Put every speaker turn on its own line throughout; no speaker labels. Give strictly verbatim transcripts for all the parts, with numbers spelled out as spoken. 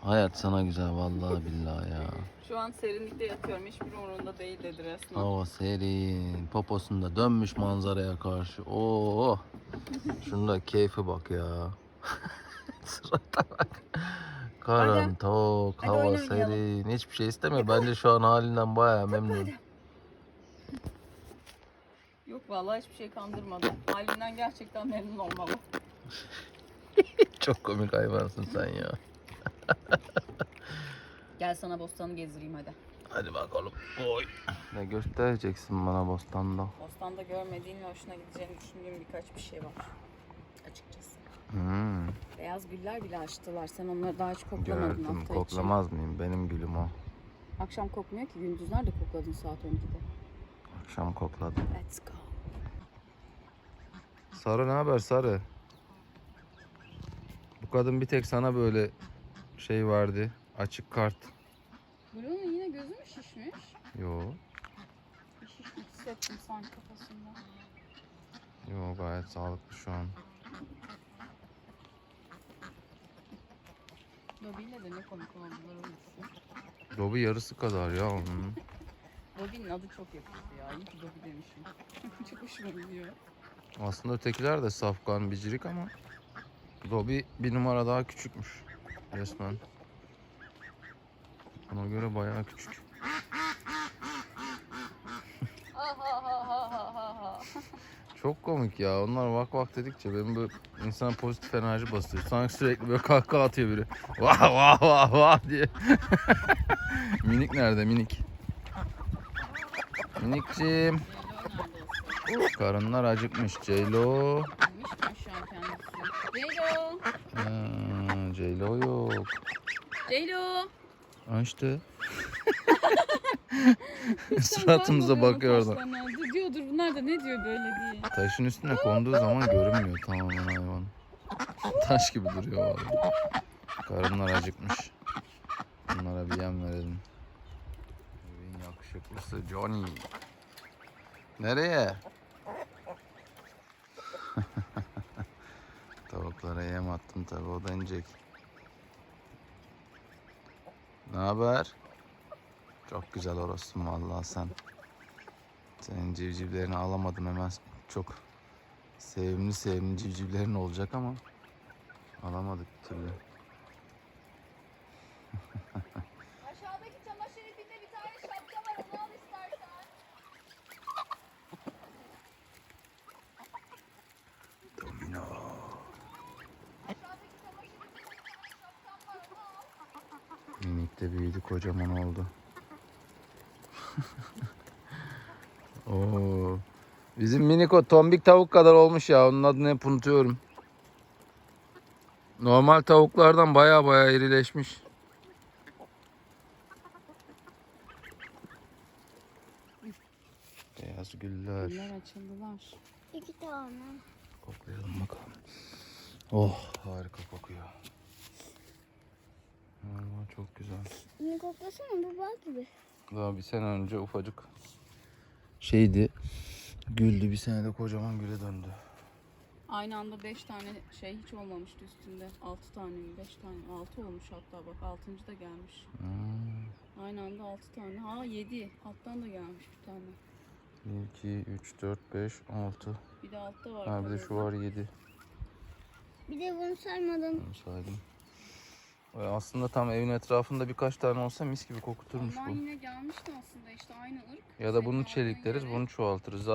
Hayat sana güzel vallahi billahi ya.
Şu an serinlikte yatıyorum. Hiçbir umurunda değil dedi resmen.
Hava serin. Poposunda dönmüş manzaraya karşı. Oo. Şunda keyfe bak ya. Surata bak. Karan tok,
Hadi
hava
oyun oynayalım.
serin. Hiçbir şey istemiyor. Bence şu an halinden bayağı memnun.
Yok vallahi hiçbir şey kandırmadı. Halinden gerçekten memnun olmalı.
Çok komik hayvansın sen ya.
Gel sana bostanı gezdireyim hadi.
Hadi bakalım. Oy. Ne göstereceksin bana bostanda?
Bostanda görmediğin ve hoşuna gideceğini düşündüğüm birkaç bir şey var. Açıkçası.
Hmm,
Beyaz güller bile açtılar. Sen onları daha hiç koklamadın
gördüm.
hafta
Koklamaz mıyım? Benim gülüm o.
için. Akşam kokmuyor ki. Gündüzler de kokladın saat on ikide.
Akşam kokladım.
Let's go.
Sarı ne haber Sarı? Bu kadın bir tek sana böyle şey verdi. Açık kart.
Blue'nun yine gözü mü şişmiş?
Yo.
Bir şişlik hissettim sanki kafasında.
Yo gayet sağlıklı şu an.
Dobby'yle de ne komik oldular o ikisi.
Dobby yarısı kadar ya onun.
Dobby'nin adı çok yakıştı ya. İyi ki Dobby demişim. Çok hoşuma gidiyor.
Aslında ötekiler de safkan bicirik ama Dobby bir numara daha küçükmüş resmen. Ona göre bayağı küçük. Çok komik ya. Onlar vak vak dedikçe benim böyle insana pozitif enerji basıyor. Sanki sürekli böyle kahkaha atıyor biri. Vah vah vah vah diye. Minik nerede minik? Minikciğim. Karınlar acıkmış. Ceylo.
Bilmiş mi şu an kendisi? Ceylo.
Ha, Ceylo yok.
Ceylo.
Ha işte. Suratımıza bakıyor orada.
Diyordur bunlar da ne diyor böyle diye.
Taşın üstüne konduğu zaman görünmüyor tamamen hayvan. Taş gibi duruyor vallahi. Karınlar acıkmış. Bunlara bir yem verelim. Evin yakışıklısı Johnny. Nereye? Tavuklara yem attım tabi, o da inecek. Ne haber? Çok güzel orossun vallahi sen. Senin civcivlerini alamadım hemen. Çok sevimli sevimli civcivlerin olacak ama alamadık bir türlü.
Aşağıdaki çamaşır ipinde bir tane şapka var, onu al istersen.
Domino.
Aşağıdaki çamaşır ipinde bir tane şapkam var, onu al.
Minik de büyüdü, kocaman oldu. Oo. Bizim minik o tombik tavuk kadar olmuş ya. Onun adını hep unutuyorum. Normal tavuklardan baya baya irileşmiş. Beyaz güller.
Güller açıldılar.
İki tane.
Koklayalım bakalım. Oh, harika kokuyor. Vallahi çok güzel.
Bunu koklasana, bu bal gibi.
Daha bir sene önce ufacık şeydi. Güldü, bir senede kocaman güle döndü.
Aynı anda beş tane şey hiç olmamıştı üstünde. Altı tane mi? Beş tane. Altı olmuş hatta bak. Altıncı da gelmiş.
Hmm.
Aynı anda altı tane. Ha yedi. Alttan da gelmiş bir tane.
bir, iki, üç, dört, beş, altı.
Bir de altta var.
Ha bir de şu var yedi.
Bir de bunu sarmadım.
Onu saydım. Ee, Aslında tam evin etrafında birkaç tane olsa mis gibi kokuturmuş
Ondan
bu.
yine gelmişti aslında işte aynı ırk.
Ya da
Senin
bunu
aldığın
çelikleriz,
yere.
bunu çoğaltırız.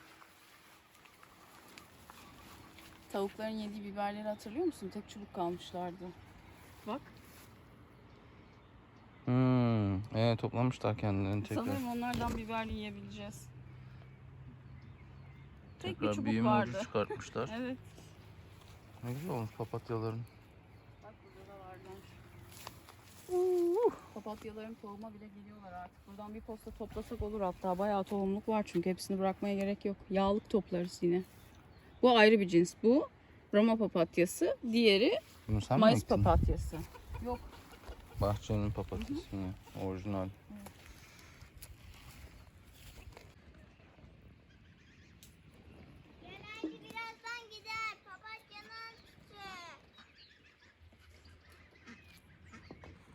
Tavukların yediği biberleri hatırlıyor musun? Tek çubuk kalmışlardı. Bak.
Hmm, evet toplamışlar kendilerini tekrar.
Sanırım onlardan biberli yiyebileceğiz. Tek bir
Tekrar
çubuk
büyüme
vardı.
ucu çıkartmışlar.
Evet.
Ne güzel olmuş papatyaların.
Bak burada da varlar. Papatyaların tohuma bile geliyorlar artık. Buradan bir posta toplasak olur hatta. Bayağı tohumluk var çünkü hepsini bırakmaya gerek yok. Yağlık toplarız yine. Bu ayrı bir cins. Bu Roma papatyası. Diğeri
Bunu sen mi
Mayıs
ektin?
papatyası. Yok.
Bahçenin papatyası yine. Orijinal.
Genelde birazdan gider. Papatyanın sütü.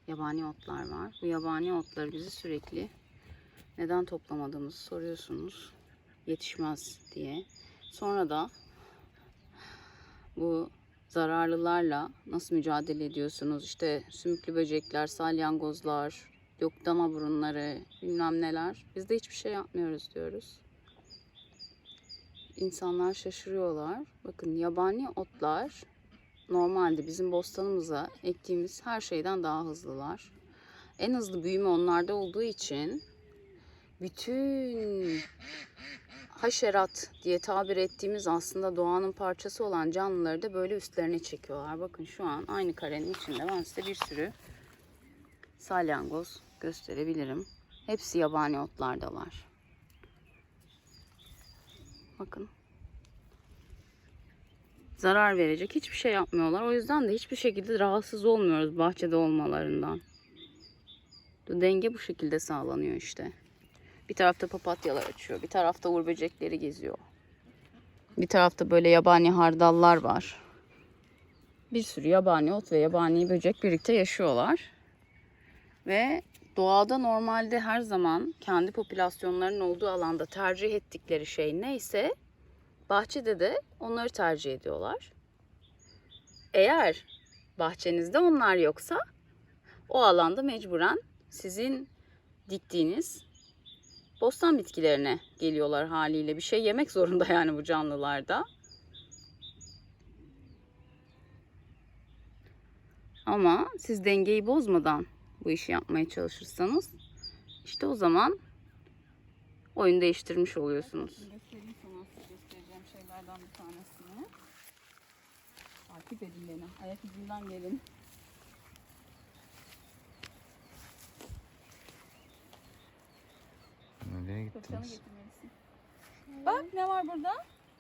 yabani otlar var. Bu yabani otları bizi sürekli neden toplamadığımızı soruyorsunuz. Yetişmez diye. Sonra da bu zararlılarla nasıl mücadele ediyorsunuz? İşte sümüklü böcekler, salyangozlar, yok dama burunları, bilmem neler. Biz de hiçbir şey yapmıyoruz diyoruz. İnsanlar şaşırıyorlar. Bakın yabani otlar normalde bizim bostanımıza ektiğimiz her şeyden daha hızlılar. En hızlı büyüme onlarda olduğu için bütün haşerat diye tabir ettiğimiz aslında doğanın parçası olan canlıları da böyle üstlerine çekiyorlar. Bakın şu an aynı karenin içinde ben size bir sürü salyangoz gösterebilirim. Hepsi yabani otlardalar. Bakın. Zarar verecek hiçbir şey yapmıyorlar. O yüzden de hiçbir şekilde rahatsız olmuyoruz bahçede olmalarından. Denge bu şekilde sağlanıyor işte. Bir tarafta papatyalar açıyor. Bir tarafta uğur böcekleri geziyor. Bir tarafta böyle yabani hardallar var. Bir sürü yabani ot ve yabani böcek birlikte yaşıyorlar. Ve doğada normalde her zaman kendi popülasyonlarının olduğu alanda tercih ettikleri şey neyse bahçede de onları tercih ediyorlar. Eğer bahçenizde onlar yoksa o alanda mecburen sizin diktiğiniz bostan bitkilerine geliyorlar haliyle. Bir şey yemek zorunda yani bu canlılar da. Ama siz dengeyi bozmadan bu işi yapmaya çalışırsanız işte o zaman oyun değiştirmiş oluyorsunuz. Göstereyim sana göstereceğim şeylerden bir tanesini. Takip edin beni. Ayak izinden gelin.
Nereye
Fırçanı
gittiniz?
getirmelisin. Bak ne var burada?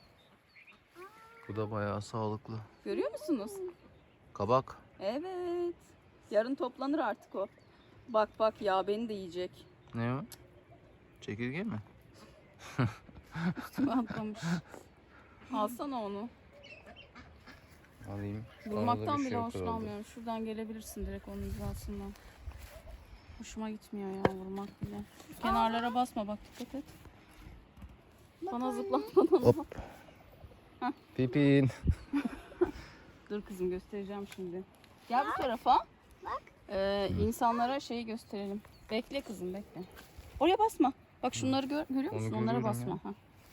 Bu da bayağı sağlıklı.
Görüyor musunuz?
Kabak.
Evet. Yarın toplanır artık o. Bak bak ya beni de yiyecek.
Ne o? Çekirge mi?
Üstüme atlamış. Alsana onu.
Alayım.
Vurmaktan
Arada bir
bile
şey yok herhalde.
hoşlanmıyorum. Şuradan gelebilirsin direkt onun hizasından. Hoşuma gitmiyor ya vurmak bile. Şu kenarlara basma bak dikkat et. Bana zıplatmadan.
Hop.
Heh.
Pipin.
Dur kızım göstereceğim şimdi. Gel bu tarafa.
Bak.
Ee, insanlara şeyi gösterelim. Bekle kızım bekle. Oraya basma. Bak şunları gör, görüyor
Onu
musun? Onlara
görüyorum
basma.
ya.
Ha.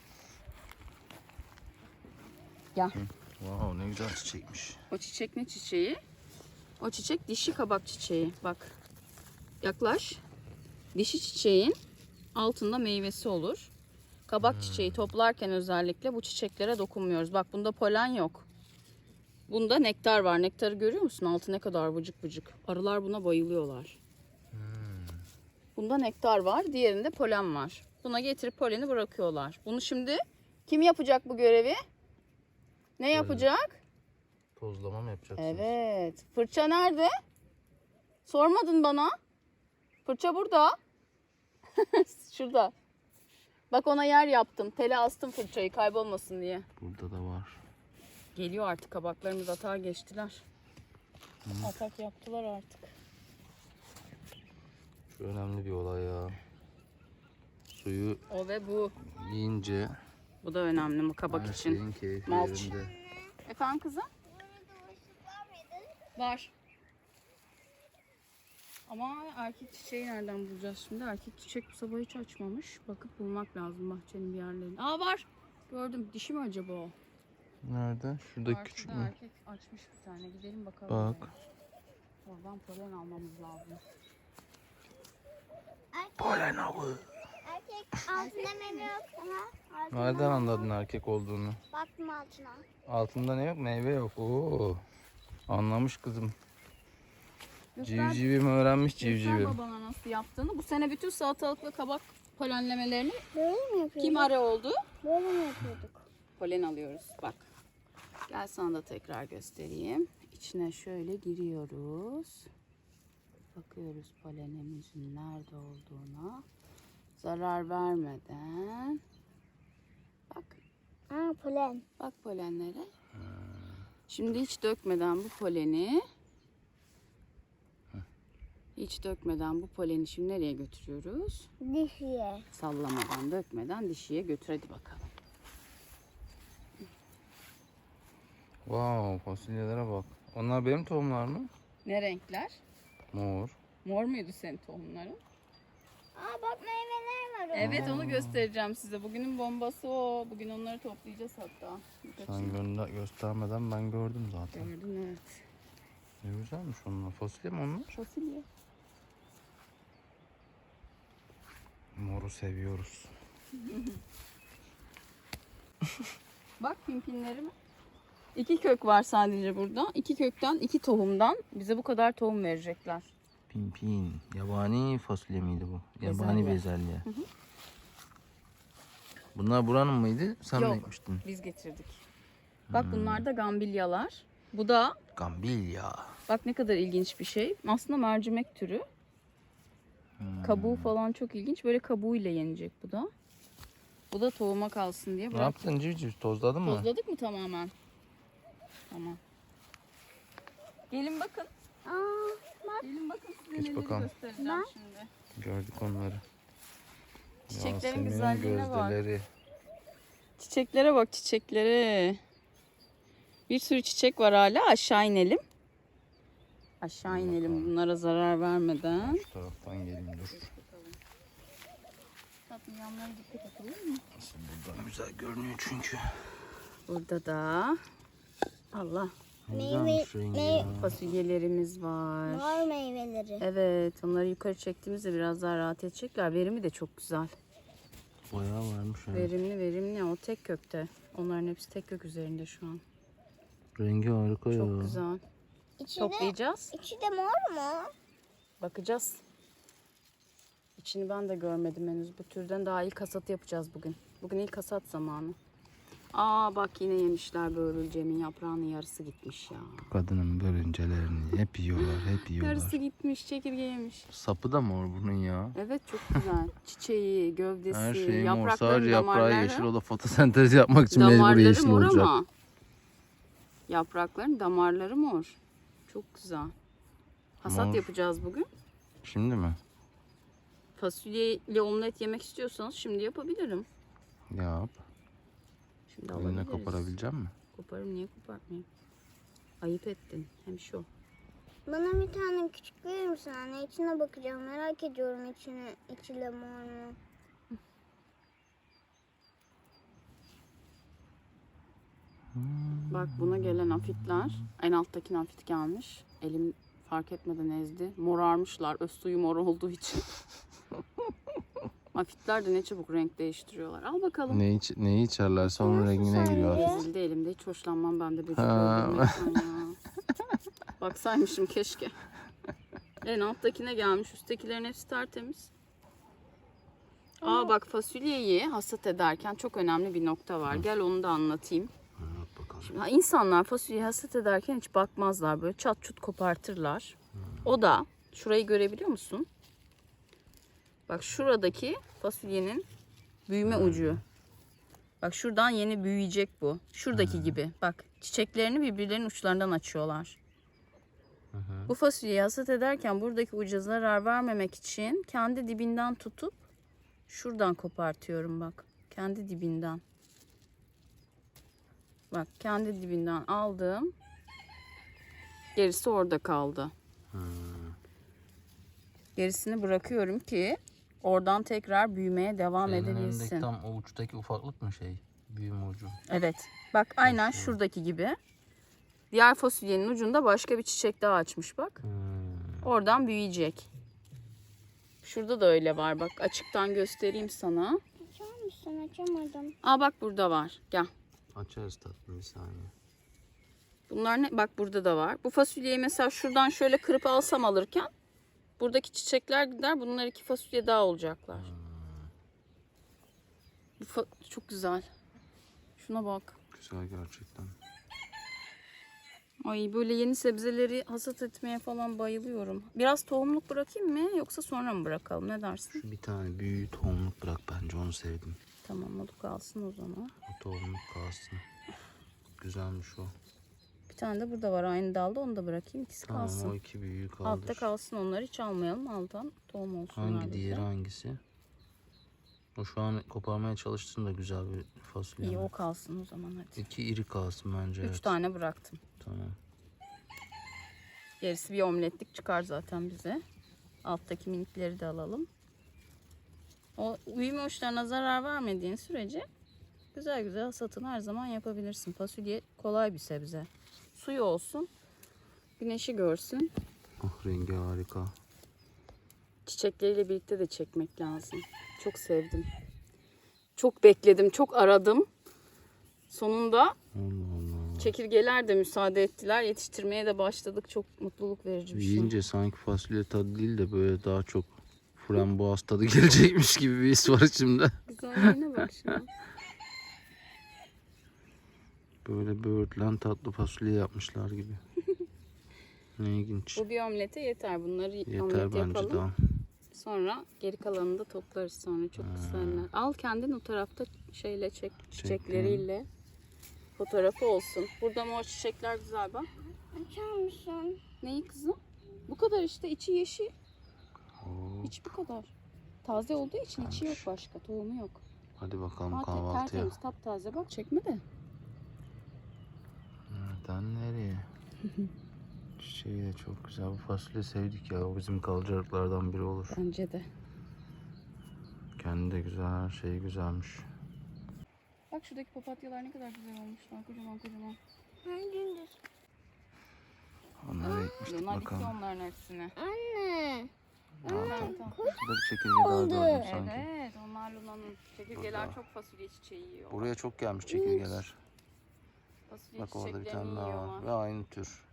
Gel.
Wow, ne güzel çiçekmiş.
O çiçek ne çiçeği? O çiçek dişi kabak çiçeği. Bak. Yaklaş. Dişi çiçeğin altında meyvesi olur. Kabak çiçeği toplarken özellikle bu çiçeklere dokunmuyoruz. Bak bunda polen yok. Bunda nektar var. Nektarı görüyor musun? Altı ne kadar vıcık vıcık. Arılar buna bayılıyorlar. Bunda nektar var. Diğerinde polen var. Buna getirip poleni bırakıyorlar. Bunu şimdi kim yapacak bu görevi? Ne yapacak?
Tozlama mı yapacaksınız?
Evet. Fırça nerede? Sormadın bana. Fırça burada. Şurada. Bak ona yer yaptım. Tele astım fırçayı kaybolmasın diye.
Burada da var.
Geliyor artık kabaklarımız atağa geçtiler. Hı. Atak yaptılar artık.
Şu önemli bir olay ya. Suyu
O ve bu.
yiyince
Bu da önemli mi kabak
her
için?
şeyin keyfi
Malç.
yerinde.
Efendim kızım?
Burada ışık var mıydı?
Var. Ama erkek çiçeği nereden bulacağız şimdi? Erkek çiçek bu sabah hiç açmamış. Bakıp bulmak lazım bahçenin bir yerlerinde. Aa var. Gördüm. Dişi mi acaba o?
Nerede? Şuradaki
Var,
küçük
şurada
mü?
erkek açmış bir tane. Gidelim bakalım.
Bak.
oraya. Oradan polen almamız lazım.
Erkek,
Polen avı.
erkek altında meyve yok. Aha, altında
Nereden
meyve
anladın
yok.
erkek olduğunu?
Baktım altına.
Altında ne yok? Meyve yok. Oo. Anlamış kızım.
Göster,
Civcivim öğrenmiş
göster
civcivim.
babana nasıl yaptığını. Bu sene bütün salatalık ve kabak polenlemelerini
Böyle mi yapıyorduk?
kim are oldu?
Böyle mi yapıyorduk?
Polen alıyoruz. Bak. Gel sana da tekrar göstereyim. İçine şöyle giriyoruz. Bakıyoruz polenimizin nerede olduğuna. Zarar vermeden. Bak.
Aa polen.
Bak polenlere. Şimdi hiç dökmeden bu poleni hiç dökmeden bu poleni şimdi nereye götürüyoruz?
Dişiye.
Sallamadan, dökmeden dişiye götür hadi bakalım.
Wow, fasulyelere bak. Onlar benim tohumlar mı?
Ne renkler?
Mor.
Mor muydu senin tohumların?
Aa bak meyveler var orada.
Evet, onu göstereceğim size. Bugünün bombası o. Bugün onları toplayacağız hatta.
Sen gönder göstermeden ben gördüm zaten.
Gördün, evet.
Ne güzelmiş onlar. Fasulye mi onlar?
Fasulye.
Moru seviyoruz.
Bak pimpinlerim. İki kök var sadece burada. İki kökten, iki tohumdan bize bu kadar tohum verecekler.
Pimpin. Yabani fasulye miydi bu?
Bezelye.
Yabani bezelye. Bunlar buranın mıydı? Sen
Yok.
mi ekmiştin?
Biz getirdik. Bak bunlar da gambilyalar. Bu da
Gambilya.
bak ne kadar ilginç bir şey. Aslında mercimek türü. Kabuğu falan çok ilginç. Böyle kabuğuyla yenecek bu da. Bu da tohuma kalsın diye
Ne
bırak.
yaptın civciv? Tozladın mı?
Tozladık mı tamamen? Tamam. Gelin bakın.
Aa bak.
Gelin bakın size
Geç
neleri
bakalım.
göstereceğim
Bak.
şimdi.
Gördük onları.
Çiçeklerin
Yasemin'in
güzelliğine bak.
gözdeleri.
Çiçeklere bak, çiçeklere. Bir sürü çiçek var hala. Aşağı inelim. Aşağı inelim bunlara zarar vermeden.
Şu taraftan geleyim dur.
Tatlım yanlara dikkat et, olur mu?
Nasıl buradan güzel görünüyor çünkü.
Burada da Allah
Ne
Meyve-
güzelmiş rengi
meyve-
ya.
fasulyelerimiz var.
Mor meyveleri.
Evet, onları yukarı çektiğimizde biraz daha rahat edecekler. Verimi de çok güzel.
Bayağı varmış ya.
Verimli verimli. O tek kökte. Onların hepsi tek kök üzerinde şu an.
Rengi harika ya.
Çok güzel.
İçi de,
Toplayacağız.
içi de mor mu?
Bakacağız. İçini ben de görmedim henüz. Bu türden daha ilk hasat yapacağız bugün. Bugün ilk hasat zamanı. Aa bak yine yemişler börülcemin yaprağının yarısı gitmiş ya.
Kadının börüncelerini hep yiyorlar, hep yiyorlar.
Yarısı gitmiş, çekirge yemiş.
Sapı da mor bunun ya.
Evet çok güzel. Çiçeği, gövdesi,
Her şey mor.
yaprakların
Sadece yaprağı
damarları.
yeşil. O da fotosentez yapmak için mecbur
Damarları
yeşil
mor
olacak.
ama. Yaprakların damarları mor. Çok güzel. Hasat
Mor.
yapacağız bugün.
Şimdi mi?
Fasulyeyle omlet yemek istiyorsanız şimdi yapabilirim.
Yap.
Şimdi
Eline
alabiliriz.
koparabilecek misin?
Koparım, niye kopartmayayım? Ayıp ettin. Hem şu.
Bana bir tane küçük verir misin anne? İçine bakacağım. Merak ediyorum içine. İçi de mor mu?
Bak buna gelen afitler. En alttakine afit gelmiş. Elim fark etmeden ezdi. Morarmışlar. Öz suyu mor olduğu için. Afitler de ne çabuk renk değiştiriyorlar. Al bakalım.
Ne iç, neyi içerlerse onun
Nasıl
rengine giriyor.
sence?
Ezildi elimde. Hiç hoşlanmam ben de böcek
Ha.
öldürmekten ya. Baksaymışım keşke. En alttakine gelmiş. Üsttekilerin hepsi tertemiz. Aa bak fasulyeyi hasat ederken çok önemli bir nokta var. Gel onu da anlatayım.
Anlat bakalım.
Şimdi ha, insanlar fasulyeyi hasat ederken hiç bakmazlar. Böyle çat çut kopartırlar. O da şurayı görebiliyor musun? Bak şuradaki fasulyenin büyüme ucu. Bak şuradan yeni büyüyecek bu. Şuradaki gibi. Bak çiçeklerini birbirlerinin uçlarından açıyorlar. Bu fasulyeyi hasat ederken buradaki uca zarar vermemek için kendi dibinden tutup şuradan kopartıyorum bak. Kendi dibinden. Bak kendi dibinden aldım. Gerisi orada kaldı. Gerisini bırakıyorum ki oradan tekrar büyümeye devam
Şeyin
edebilsin.
önündeki tam o uçtaki ufaklık mı şey? Büyüme ucu.
Evet. Bak aynen şuradaki gibi. Diğer fasulyenin ucunda başka bir çiçek daha açmış bak.
Hmm.
Oradan büyüyecek. Şurada da öyle var bak. Açıktan göstereyim sana.
Açar mısın? Açamadım.
Aa bak burada var. Gel.
Açarız tatlım bir saniye.
Bunlar ne? Bak burada da var. Bu fasulyeyi mesela şuradan şöyle kırıp alsam alırken buradaki çiçekler gider. Bunlar iki fasulye daha olacaklar. Bu fa- çok güzel. Şuna bak.
Güzel gerçekten.
Ay böyle yeni sebzeleri hasat etmeye falan bayılıyorum. Biraz tohumluk bırakayım mı yoksa sonra mı bırakalım? Ne dersin?
Şu bir tane büyük tohumluk bırak bence, onu sevdim.
Tamam o da kalsın o zaman.
O tohumluk kalsın. Güzelmiş o.
Bir Bir tane de burada var aynı dalda, onu da bırakayım. İkisi
Tamam,
kalsın.
o iki büyüğü kaldır.
Altta kalsın, onları hiç almayalım. Alttan tohum olsun.
Hangi diğeri hangisi? O şu an koparmaya çalıştığında güzel bir fasulye.
İyi,
ama.
o kalsın o zaman hadi.
İki iri kalsın bence.
Üç
evet.
tane bıraktım.
Tamam.
Gerisi bir omletlik çıkar zaten bize. Alttaki minikleri de alalım. O büyüme uçlarına zarar vermediğin sürece güzel güzel hasatını her zaman yapabilirsin. Fasulye kolay bir sebze. Suyu olsun, güneşi görsün.
Oh, rengi harika.
Çiçekleriyle birlikte de çekmek lazım. Çok sevdim. Çok bekledim, çok aradım. Sonunda
Allah Allah.
çekirgeler de müsaade ettiler. Yetiştirmeye de başladık. Çok mutluluk verici bir şey.
Yiyince sanki fasulye tadı değil de böyle daha çok frambuaz tadı gelecekmiş gibi bir his var içimde.
Güzelliğine bak şimdi.
Böyle böğürtlen tatlı fasulye yapmışlar gibi. Ne ilginç.
Bu bir omlete yeter. Bunları
Yeter
omlet
bence
yapalım.
daha.
Sonra geri kalanını da toplarız sonra. Çok güzeller. Al kendin o tarafta şeyle çek, çiçekleriyle. Fotoğrafı olsun. Burada mor çiçekler güzel bak.
Açar mısın?
Neyi kızım? Bu kadar işte, içi yeşil.
Oo,
İçi bu kadar. Taze olduğu için içi yok başka. Tohumu yok.
hadi bakalım
Zaten
kahvaltıya.
tertemiz, taptaze. Bak çekme de.
Nereden nereye? Çiçeği de çok güzel. Bu fasulye sevdik ya. O bizim kalacaklardan biri olur.
Bence de.
Kendi de güzel. Her şeyi güzelmiş.
Bak şuradaki papatyalar ne kadar güzel olmuşlar. Kocaman kocaman.
Ben gündüz.
Onları ekmiştik
Bunlar gitti
bakalım.
onların hepsine.
Anne.
Tamam, tamam.
Şurada bir çekirge daha gördüm sanki.
Evet, onlar Luna'nın. Çekirgeler çok fasulye çiçeği yiyor.
Buraya çok gelmiş çekirgeler.
Fasulye
Bak orada bir
çiçeklerini
tane daha
yiyorlar.
var. Ve aynı tür.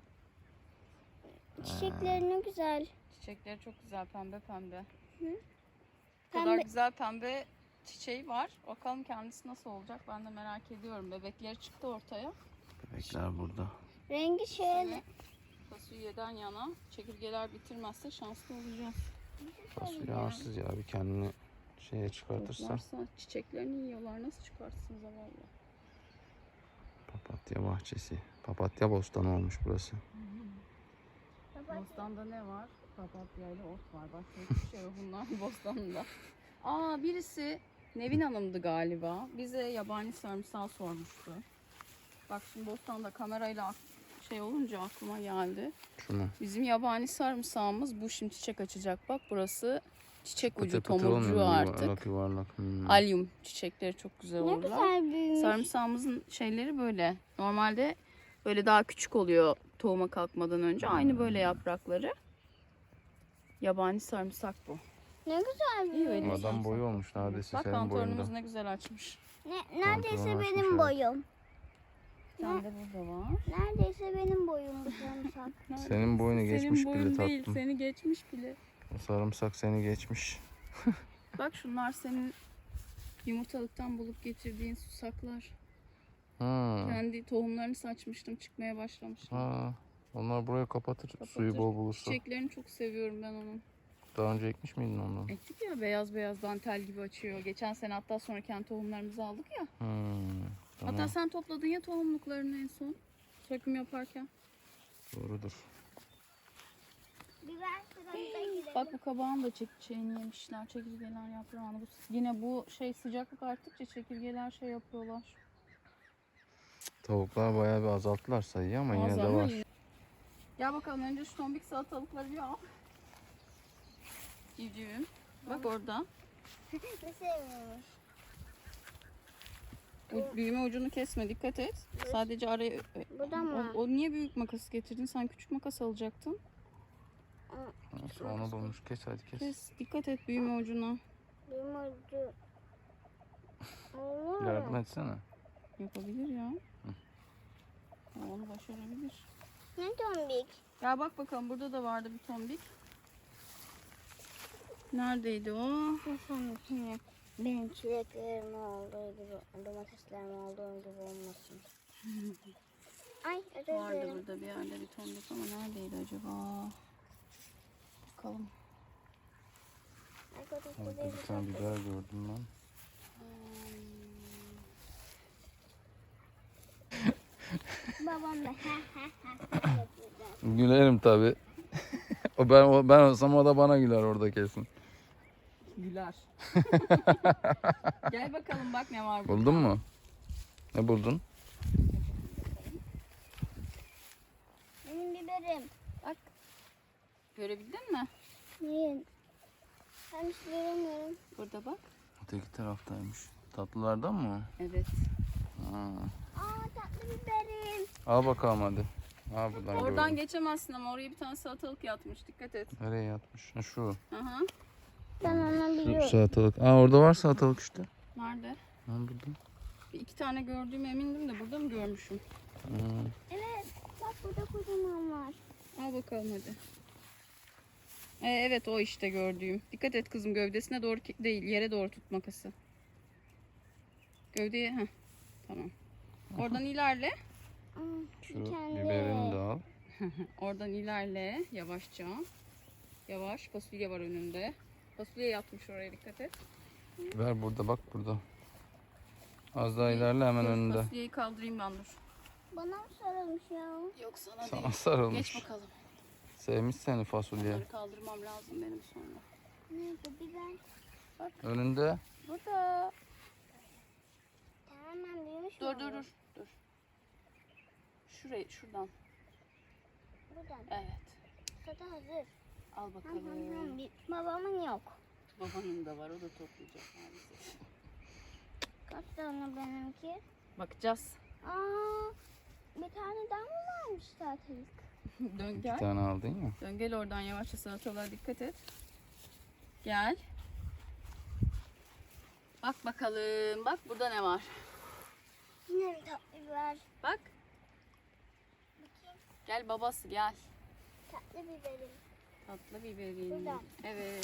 Çiçekleri ne güzel.
Çiçekleri çok güzel, pembe pembe.
Hı.
Bu kadar
Pembe-
güzel pembe çiçeği var. Bakalım kendisi nasıl olacak, ben de merak ediyorum. Bebekleri çıktı ortaya.
Bebekler burada.
Rengi şöyle.
Fasulyeden yana, çekirgeler bitirmezse şanslı olacağız.
Fasulye arsız ya. Bir kendini şeye çıkartırsa.
Varsa çiçeklerini yiyorlar, nasıl çıkartsın zavallı?
Papatya bahçesi. Papatya bostanı olmuş burası.
Bostanda ne var? Papatya ile ot var. Başka hiçbir şey yok bunlar bostanında. Aa, birisi Nevin Hanım'dı galiba. Bize yabani sarımsağı sormuştu. Bak şimdi bostanda kamerayla ak- şey olunca aklıma geldi.
Şunu.
Bizim yabani sarımsağımız bu, şimdi çiçek açacak. Bak burası çiçek
Pıtır
ucu,
pıtır olmuyor mu?
tomurcuğu artık.
Yuvarlak yuvarlak. Hmm.
Alyum çiçekleri çok güzel
Ne
olurlar.
güzel büyümüş.
Sarımsağımızın şeyleri böyle. Normalde böyle daha küçük oluyor tohuma kalkmadan önce. Aynı böyle yaprakları. Yabani sarımsak bu.
Ne güzel
İyi, öyle
büyümüş.
Adam boyu olmuş neredeyse
Bak
senin
kantaronumuz
boyunda.
ne güzel açmış.
Ne, neredeyse
Pantolon açmış,
benim
evet.
boyum.
Sen de burada var.
Neredeyse benim boyum bu sarımsak.
Senin boyunu geçmiş
Senin
bile
boyun değil,
tatlım.
seni geçmiş bile.
O sarımsak seni geçmiş.
Bak şunlar senin yumurtalıktan bulup getirdiğin susaklar.
Hmm.
Kendi tohumlarını saçmıştım, çıkmaya başlamıştım.
Ha. Onlar buraya kapatır, suyu bol bulursa.
Çiçeklerini çok seviyorum ben onun.
Daha önce ekmiş miydin ondan?
Ektik ya, beyaz beyaz dantel gibi açıyor. Geçen sene hatta sonra kendi tohumlarımızı aldık ya.
Hmm. Tamam.
Hatta sen topladın ya tohumluklarını en son. Söküm yaparken.
Doğrudur.
Biber sırasına gidelim.
Bak bu kabağın da çekirgeğini yemişler. Çekirgeler yaprağını. Bu, yine bu şey sıcaklık arttıkça çekirgeler şey yapıyorlar.
Tavuklar bayağı bir azalttılar sayıyı ama yine
Az
de
ama
var.
yine- Gel bakalım, önce şu tombik salatalıkları bir al. Civcivim. Bak orada.
Ne sevmiyormuş.
Bu büyüme ucunu kesme, dikkat et. Sadece araya...
Buradan mı?
O, o niye büyük makas getirdin? Sen küçük makas alacaktın.
Neyse, onu bulmuş. Kes hadi kes.
Kes, dikkat et büyüme ucuna.
Benim ucu. Olur.
Yardım etsene.
Yapabilir ya. O onu başarabilir.
Ne tombik?
Ya bak bakalım, burada da vardı bir tombik. Neredeydi o?
Nasıl şimdi benim çileklerim olduğu gibi, domateslerim olduğu gibi olmasın. Ay özür
Vardı
dilerim.
burada bir yerde bir tombik ama neredeydi acaba? Bakalım.
Arkadaşlar
Orada bir tane biber gördüm ben.
Babam da ha ha ha yapıyor.
Gülerim tabi. O ben o ben olsam o da bana güler orada kesin.
Güler. Gel bakalım bak ne var burada.
Buldun mu? Ne buldun?
Benim biberim.
Bak. Görebildin mi?
Neyin? Ben hiç göremiyorum.
Burada bak.
Öteki taraftaymış. Tatlılardan mı?
Evet.
Ha.
Aa tatlı biberim.
Al bakalım hadi. Al buradan
Oradan
gördüm.
geçemezsin ama oraya bir tane salatalık yatmış. Dikkat et.
Nereye yatmış? Ha, şu.
Aha.
Ben onu
Şu
biliyorum.
salatalık. Aa orada var salatalık işte.
Nerede?
Ha burada.
Bir iki tane gördüğüme emindim de burada mı görmüşüm?
Ha.
Evet. Bak burada kocaman var.
Al bakalım hadi. Ee, evet o işte gördüğüm. Dikkat et kızım, gövdesine doğru ki- değil, yere doğru tut makası. Gövdeye heh. Tamam. Oradan ilerle.
Aa,
Şu
kendi.
biberini de al.
Oradan ilerle yavaşça. Yavaş. Fasulye var önünde. Fasulye yatmış oraya, dikkat et.
Ver burada bak burada. Az daha ilerle hemen
Dur,
önünde.
Fasulyeyi kaldırayım ben, dur.
Bana mı sarılmış ya?
Yok sana,
Sana
değil.
sarılmış.
Geç bakalım.
Sevmiş seni fasulye.
Bunları kaldırmam lazım benim sonra.
Nerede biber?
Önünde.
Burada.
Tamamen büyümüş mü
Dur dur
olur?
dur. Dur. Şurayı, şuradan.
Buradan.
Evet.
Tadı hazır.
Al
Ham
bakalım.
ham ham. Bir- Babamın yok.
Babanın da var, o da toplayacak maalesef.
Kaç tane benimki?
Bakacağız.
Aa, bir tane daha mı varmış zaten?
Dön
Bir
gel.
tane aldın ya.
Dön gel oradan yavaşça, salatalığa dikkat et. Gel. Bak bakalım. Bak burada ne var.
Yine bir tatlı biber.
Bak.
Bakayım.
Gel babası gel.
Tatlı biberim.
Tatlı biberin.
Burada.
Evet.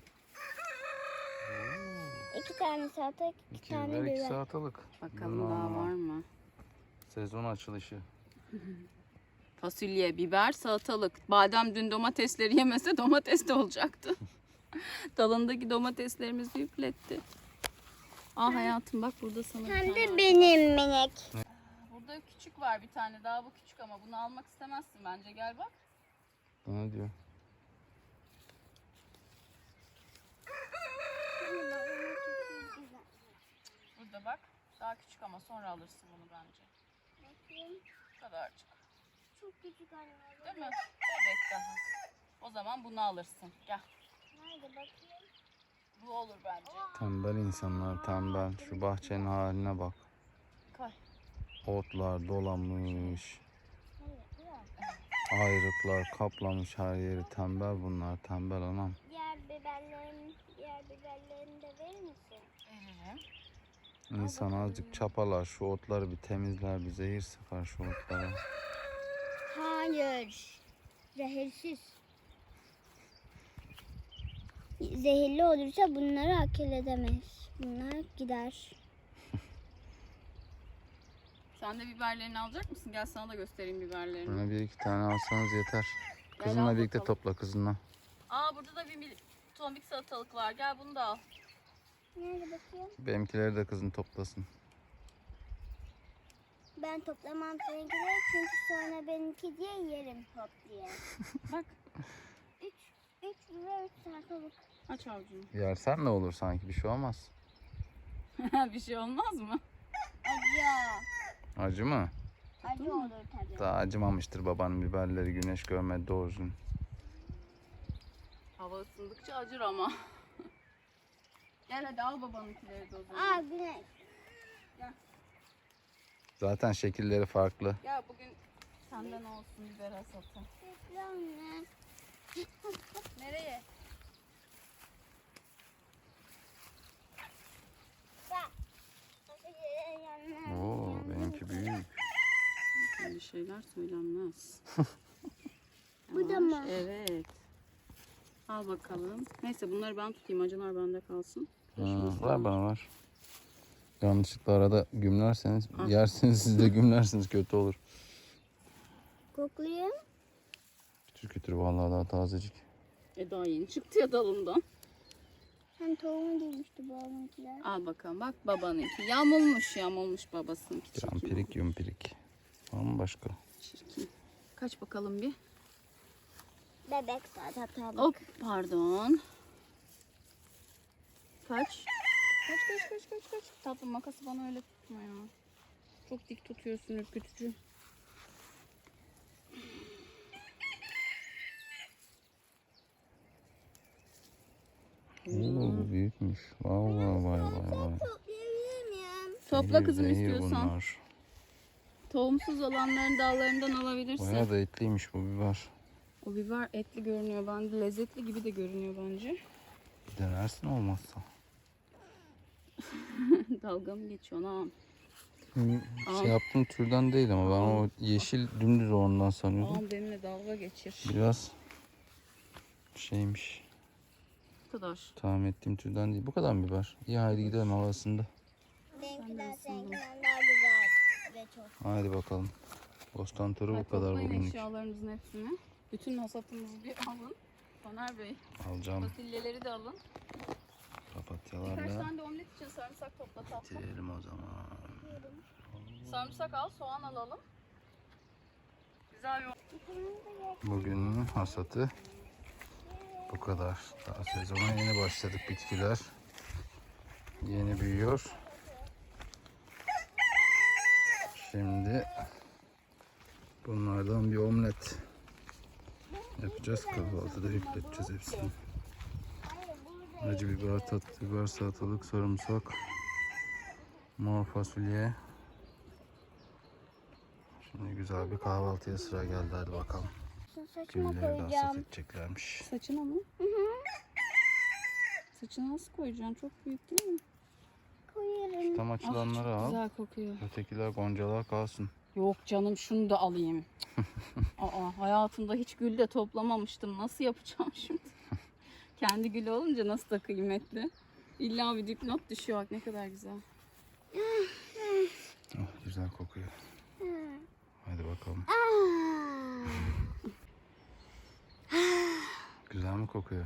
İki tane salatalık, iki,
İki
tane
biber, iki
biber.
salatalık.
Bakalım
Bunlar
daha var mı?
Sezon açılışı.
Fasulye, biber, salatalık. Badem dün domatesleri yemese domates de olacaktı. Dalındaki domateslerimizi üfletti. Aa hayatım bak burada sana bir
Hem
tane
de
var.
benim minik.
Burada küçük var bir tane daha, bu küçük ama bunu almak istemezsin bence, gel bak.
Ne diyor?
Burada bak, daha küçük ama sonra alırsın bunu bence.
Bakayım.
Bu kadarcık.
Çok küçük anne.
Değil mi? Bebek daha. O zaman bunu alırsın. Gel.
Nerede bakayım?
Bu olur bence.
Tembel insanlar tembel. Şu bahçenin haline bak.
Koy.
Otlar dolamış.
Hayır, yok.
Ayrıklar kaplamış her yeri. Tembel bunlar. Tembel anam.
Diğer biberlerim, diğer biberlerini de verir misin?
Veririm.
İnsan azıcık çapalar. Şu otları bir temizler. Bir zehir sıkar şu otlara.
Hayır. Zehirsiz. Zehirli olursa bunları akıl edemez. Bunlar gider.
Sen de biberlerini alacak mısın? Gel sana da göstereyim biberlerini.
Bana bir iki tane alsanız yeter.
Gel
Kızınla
al
birlikte
bakalım.
topla kızınla.
Aa burada da bir mil- tombik salatalık var. Gel bunu da al.
Nerede bakayım?
Benimkileri de kızın toplasın.
Ben toplamam seninkileri çünkü sonra benimki diye yerim hop diye.
Bak.
Üç, üç ve üç salatalık.
Aç avucunu.
Yersen ne olur sanki bir şey olmaz.
Bir şey olmaz mı?
Acı.
Acı mı?
Acı olur tabii.
Daha acımamıştır babanın biberleri, güneş görmedi doğru düzgün.
Hava ısındıkça acır ama. Gel hadi al babanınkileri de o zaman.
Aa güneş.
Zaten şekilleri farklı.
Gel bugün senden olsun biber hasatı.
Bekle anne.
Nereye?
Bak. Yanına-
Oo benimki büyük.
Böyle şeyler söylenmez.
Bu da
Yavaş,
mı?
Evet. Al bakalım. Neyse bunları ben tutayım. Acılar bende kalsın.
Ha, ver bana ver. Yanlışlıkla arada gümlerseniz,
Al.
yersiniz siz de gümlersiniz kötü olur.
Koklayayım.
Kütür kütür vallahi daha tazecik.
E daha yeni çıktı ya dalından.
Hem tohumu değilmişti babamınkiler.
Al bakalım bak babanınki. Yamulmuş yamulmuş babasınınki. Çekim
Campirik yumpirik. Var mı başka?
Çirkin. Kaç bakalım bir.
Bebek zaten tabii.
Hop pardon. Kaç? Kaç kaç kaç kaç kaç. Tatlım makası bana öyle tutma ya. Çok dik tutuyorsun ürkütücü.
Oo, bu büyükmüş. Vay vay vay vay vay.
Toplayabilir miyim?
Topla
Zehir,
kızım
zehir
istiyorsan.
bunlar.
Tohumsuz olanların dallarından alabilirsin.
Bayağı da etliymiş bu biber.
O biber etli görünüyor bende. Lezzetli gibi de görünüyor bence.
Bir denersin olmazsa.
Dalga mı geçiyorsun ha?
Hı,
Al.
Şey yaptığım türden değil ama ben o yeşil dümdüz ondan sanıyordum.
Ağam benimle dalga geçir.
Biraz şeymiş.
Bu kadar.
Tahmin ettiğim türden değil. Bu kadar mı biber? İyi haydi gidelim havasında.
Benimkiler
ısındım.
seninkinden daha güzel ve çok.
Haydi bakalım. Bostan turu bu
Hadi
kadar
toplayın
bugünlük.
eşyalarınızın hepsini. Bütün hasatınızı bir alın. Soner Bey,
Alacağım
fasulyeleri de alın. Birkaç
papatyalarla.
tane de omlet için sarımsak topla tatlım.
Bitirelim o zaman.
Sarımsak al, soğan alalım. Güzel bir
Bugünün hasatı bu kadar. Daha sezona yeni başladık, bitkiler yeni büyüyor. Şimdi bunlardan bir omlet yapacağız. Kahvaltıda yükleteceğiz hepsini. Acı biber, tatlı biber, salatalık, sarımsak, mor fasulye. Şimdi güzel bir kahvaltıya sıra geldi. Hadi bakalım.
Şu saçıma
Gülleri de hasat
koyacağım.
edeceklermiş.
saçına mı? Saçına nasıl koyacaksın? Çok büyük değil mi?
Koyarım.
Tam açılanları al.
Güzel kokuyor.
Ötekiler, goncalar kalsın.
Yok canım şunu da alayım. Aa, hayatımda hiç gül de toplamamıştım. Nasıl yapacağım şimdi? Kendi gülü olunca nasıl da kıymetli. İlla bir dipnot düşüyor. Bak ne kadar güzel.
Oh, güzel kokuyor. Hadi bakalım. Güzel mi kokuyor?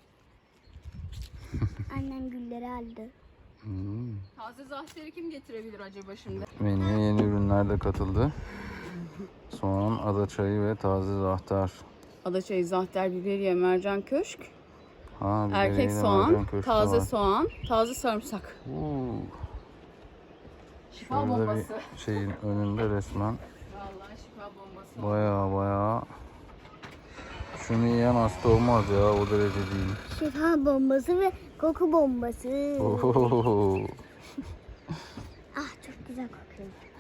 Annem gülleri aldı.
Hmm.
Taze zahteri kim getirebilir acaba şimdi?
Menüye yeni ürünler de katıldı. Soğan, ada çayı ve taze zahter.
Adaçayı, zahter, biberiye, mercan köşk,
Ha,
erkek
biberiyle
soğan,
mercan köfte
taze
var.
soğan, taze sarımsak.
Oo,
Şifa
şurada
bombası.
bir şeyin önünde resmen.
Vallahi şifa bombası.
Baya baya. Şunu yiyen hasta olmaz ya, o derece değil.
Şifa bombası ve koku bombası.
Ohohoho.
Ah çok güzel kokuyor.